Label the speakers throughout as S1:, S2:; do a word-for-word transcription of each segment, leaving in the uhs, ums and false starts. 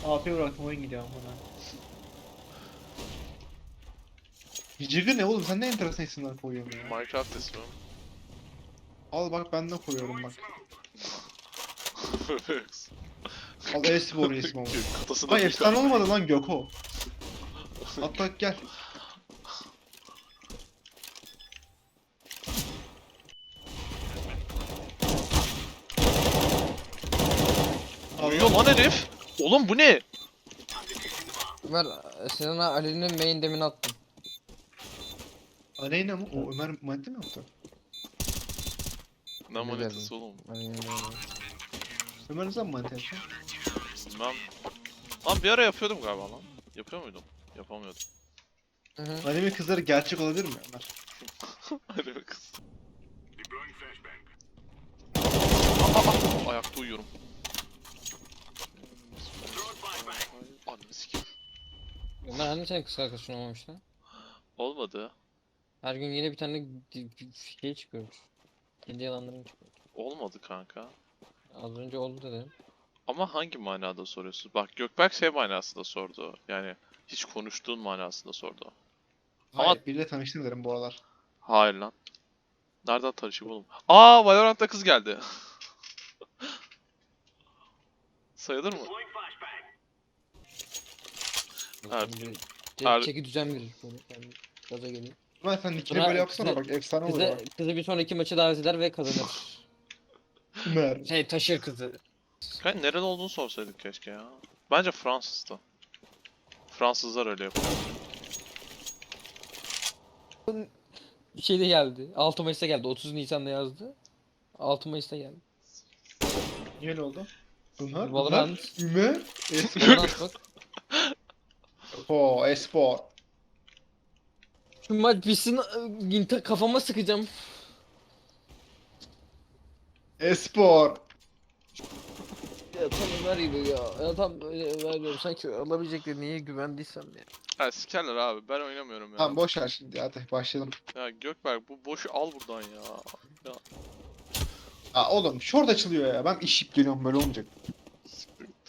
S1: A P bıraktım oyun gidiyor bana. Jigger ne oğlum, sen ne enteresan isimler koyuyorsun ya.
S2: Minecraft ismi.
S1: Al bak, ben de koyuyorum bak. Al e-spor ismi ama.
S2: Kafasında
S1: Ay
S2: bir
S1: efsane
S2: tane-
S1: olmadı lan Göko. Hatta gel.
S2: Uyuyor lan herif. Oğlum bu ne?
S3: Ömer, Sinan'a Ali'nin main demini attım.
S1: Aleyna mı? O Ömer madde mi yaptı?
S2: Ne
S3: Öyle
S2: manitası
S3: derdim.
S2: oğlum?
S3: Ali'nin demini.
S1: Ömer ne zaman madde yaptı?
S2: Bilmem. Lan bir ara yapıyordum galiba lan. Yapıyor muydum? Yapamıyordum.
S3: Hı hı.
S1: Anime kızları gerçek olabilir mi Ömer?
S2: Hadi be kız. Aa, aa, aa. Ayakta uyuyorum. Ananı sikeyim.
S3: Ömer hani senin kız arkadaşın olmamış lan?
S2: Olmadı.
S3: Her gün yine bir tane di- di- şey çıkıyor. Kendi yalanların çıkıyor.
S2: Olmadı kanka.
S3: Az önce oldu dedim.
S2: Ama hangi manada soruyorsun? Bak Gökberk şey manasında sordu. Yani hiç konuştuğun manasında sordu. Ama-
S1: Hayır, biriyle tanıştım derim bu aralar.
S2: Hayır lan. Nereden tanışayım oğlum? Aa, Valorant'ta kız geldi. Sayılır mı? Evet.
S3: Şimdi
S2: Her-
S3: çe- çeki düzen verir böyle. Yani gaza gelir.
S1: Ömer sen nickini
S3: Buna
S1: böyle yapsana
S3: kızı-
S1: bak, efsane olur ha.
S3: Kızı, kızı bir sonraki maçı davet eder ve kazanır.
S1: Ömer.
S3: Şey taşır kızı.
S2: Kanka nerede olduğunu sorsaydık keşke ya. Bence Fransız'da. Fransızlar öyle yapıyor.
S3: Bir şey de geldi. altı Mayıs'ta geldi. otuz Nisan'da yazdı. altı Mayıs'ta geldi.
S1: Niye öyle oldu? Ömer?
S3: Valorant.
S1: Ömer? Ömer? Espor.
S3: Valorant bak.
S1: O espor.
S3: Şu maç bitsin, Ginter kafama sıkacağım.
S1: Espor.
S3: Ya tam Ömer gibi ya. Ya tam böyle Ömer diyorum. Sanki alabilecek de niye güvendiysem ya.
S2: Ha sikerler abi, ben oynamıyorum ya.
S1: Tamam boş ver şimdi, hadi başlayalım.
S2: Ya Gökberk bu boşu al buradan ya. Ya
S1: Aa oğlum short açılıyor ya, ben iş yiyip geliyorum, böyle olmayacak.
S2: siktir git.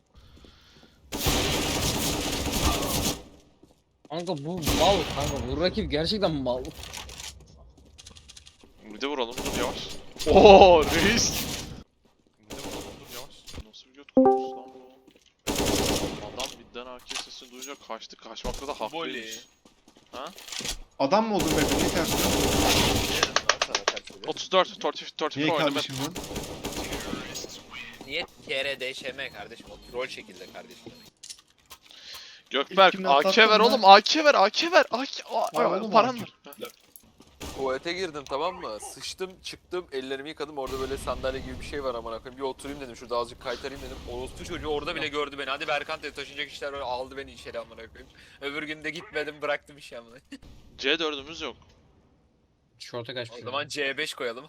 S3: Kanka bu mal kanka. Bu rakip gerçekten mal.
S2: Bir de vuralım, dur yavaş. Oo reis. Bir de vuralım, dur yavaş. Nasıl bir göt kokusu lan bu? Adam midden A K sesini duyunca kaçtı. Kaçmakta da haklıymış. Ha?
S1: Adam mı oldun be? Niye ters
S2: otuz dört, otuz dört, otuz dört
S1: Niye
S2: oynadım.
S1: kardeşim lan?
S4: Niye T R D Ş M kardeşim? O troll şekilde kardeşim.
S2: Gökberk
S1: kimden
S2: A K
S1: sattın
S2: ver
S1: lan?
S2: oğlum, A K ver, A K ver. A K A-
S1: Var
S2: A-
S1: oğlum
S2: paran
S1: A K.
S2: ver.
S5: Tuvalete girdim, tamam mı? Sıçtım, çıktım, ellerimi yıkadım. Orada böyle sandalye gibi bir şey var, amına koyayım. Bir oturayım dedim, şurada azıcık kaytarayım dedim.
S4: Orospu çocuğu orada bile gördü beni. Hadi Berkant dedi, taşınacak işler var, aldı beni içeri amına koyayım. Öbür gün de gitmedim, bıraktım işi amına.
S2: C dördümüz yok.
S3: Şorta kaçmış.
S4: O zaman C beş koyalım.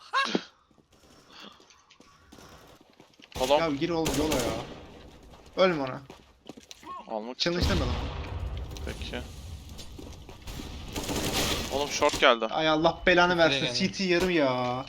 S2: Adam
S1: Ya gir oğlum yola ya. Ölme ona.
S2: almak için.
S1: Challenge deme lan.
S2: Peki. Oğlum short geldi.
S1: Ay Allah belanı versin,
S3: Nereye
S1: C T yarım ya.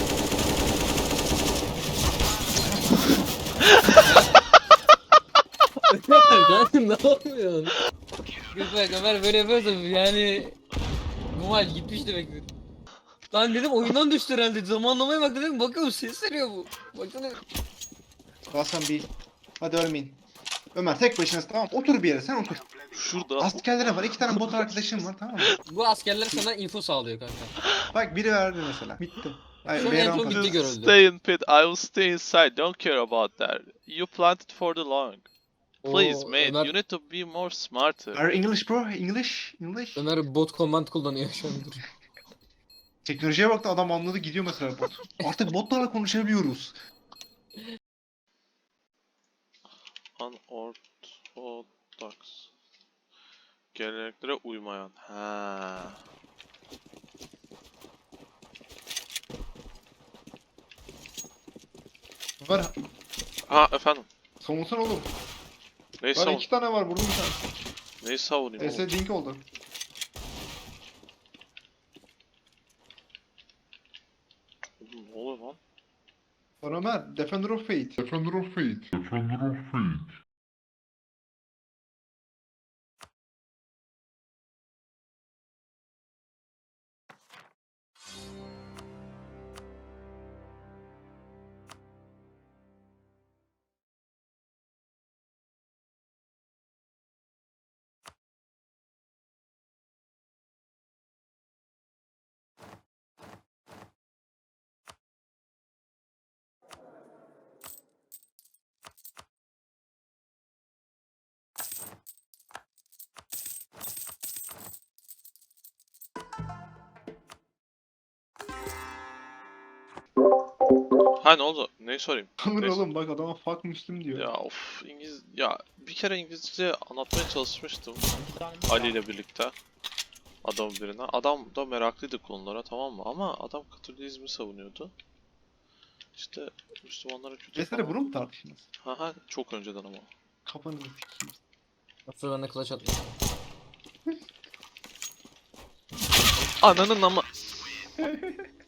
S3: Sen ne yapıyorsun? Gökberk Ömer böyle yapıyorsa yani bu maç gitmiş demektir. Lan dedim oyundan düştü herhalde. Zamanlamaya bak dedim, bakıyorum ses veriyor bu. Baksana.
S1: Hasan bir. Hadi ölmeyin. Ömer tek başınasın, tamam, otur bir yere, sen otur.
S2: Şurada.
S1: Askerlere var, iki tane bot arkadaşım var, tamam mı?
S3: Bu askerler sana info sağlıyor kanka.
S1: Bak biri verdi mesela. Bitti. Ay,
S3: Şu an
S1: B
S3: en son
S1: rampa.
S3: bitti.
S2: Just
S3: görüldü.
S2: stay in pit. I will stay inside. Don't care about that. You planted for the long. Please,
S3: Oo,
S2: mate.
S3: Ömer,
S2: You need to be more smarter.
S1: Are English bro? English? English?
S3: Ömer bot command kullanıyor şu an. Dur.
S1: Teknolojiye baktı, adam anladı, gidiyor mesela bot. Artık botlarla konuşabiliyoruz.
S2: Unorthodox. Geleneklere uymayan. Ha.
S1: Var.
S2: Ha efendim.
S1: Savunsana oğlum.
S2: Neyi
S1: Var
S2: savun?
S1: iki tane var, vurdum bir tane.
S2: Neyi savunayım
S1: Ese
S2: oğlum?
S1: dink oldu.
S2: Oğlum, ne oluyor lan?
S1: Var Ömer, Defender of Fate.
S6: Defender of Fate. Defender of Fate.
S2: Ha ne oldu? Neyi sorayım?
S1: Amına
S2: Neyse.
S1: oğlum bak adama fuck Müslüm diyor.
S2: Ya of İngiliz ya bir kere İngilizce anlatmaya çalışmıştım Ali ile birlikte adam birine. Adam da meraklıydı konulara tamam mı? Ama adam Katolikizmi savunuyordu. İşte Müslümanlara kötü
S1: Mesela
S2: falan.
S1: bunu mu tartıştınız?
S2: Ha ha çok önceden ama.
S1: Kafanızı sikeyim.
S3: Yoksa ben de clutch atmışım.
S2: Ananın ama.